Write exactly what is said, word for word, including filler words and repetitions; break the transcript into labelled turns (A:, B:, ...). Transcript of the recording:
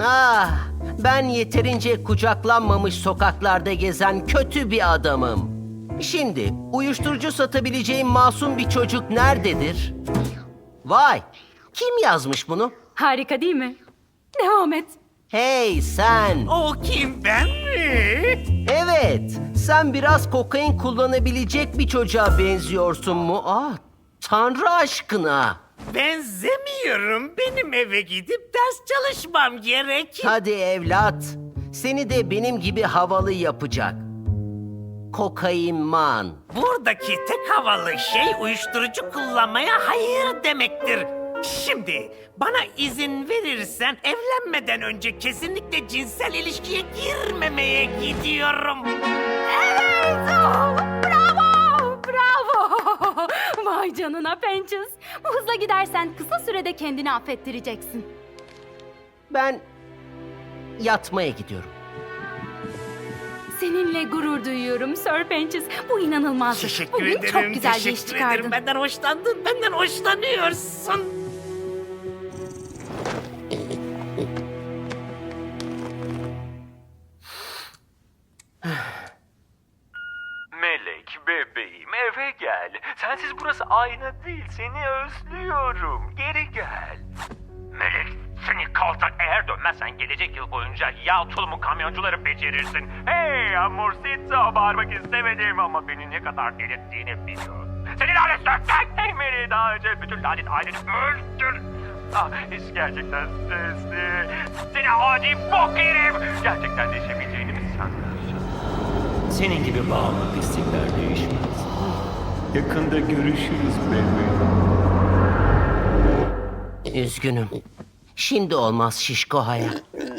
A: Ah, ben yeterince kucaklanmamış sokaklarda gezen kötü bir adamım. Şimdi uyuşturucu satabileceğim masum bir çocuk nerededir? Vay, kim yazmış bunu?
B: Harika değil mi? Devam et.
A: Hey sen!
C: O kim, ben mi?
A: Evet, sen biraz kokain kullanabilecek bir çocuğa benziyorsun mu? Ah, Tanrı aşkına!
C: Benzemiyorum. Benim eve gidip ders çalışmam gerek.
A: Hadi evlat, seni de benim gibi havalı yapacak. Kokainman.
C: Buradaki tek havalı şey uyuşturucu kullanmaya hayır demektir. Şimdi bana izin verirsen evlenmeden önce kesinlikle cinsel ilişkiye girmemeye gidiyorum.
B: Evet! oh, bravo! Bravo! Vay canına Pençiz. Bu hızla gidersen kısa sürede kendini affettireceksin.
A: Ben yatmaya gidiyorum.
B: Seninle gurur duyuyorum Sir Pençiz. Bu inanılmazdı.
C: Teşekkür
B: Bugün
C: ederim.
B: çok güzel bir
C: teşekkür
B: iş çıkardın.
C: ederim. Benden hoşlandın. Benden hoşlanıyorsun.
D: Melek, bebeğim eve gel. Sensiz burası ayna değil, seni özlüyorum. Geri gel. Melek, seni kaltak eğer dönmezsen gelecek yıl boyunca yağ tulumu kamyoncuları becerirsin. Hey Amorsito, bağırmak istemedim ama beni ne kadar delirttiğini biliyorum. Seni lanet söktek! Hey Melek, daha önce bütün lanet aileni öldür. Ah, iş gerçekten stresli. Seni adi bok herif! Gerçekten değişebileceğini mi sanıyorsun? Senin gibi bağımlı pislikler değişmez. Yakında görüşürüz bebeğim.
A: Üzgünüm. Şimdi olmaz şişko hayat.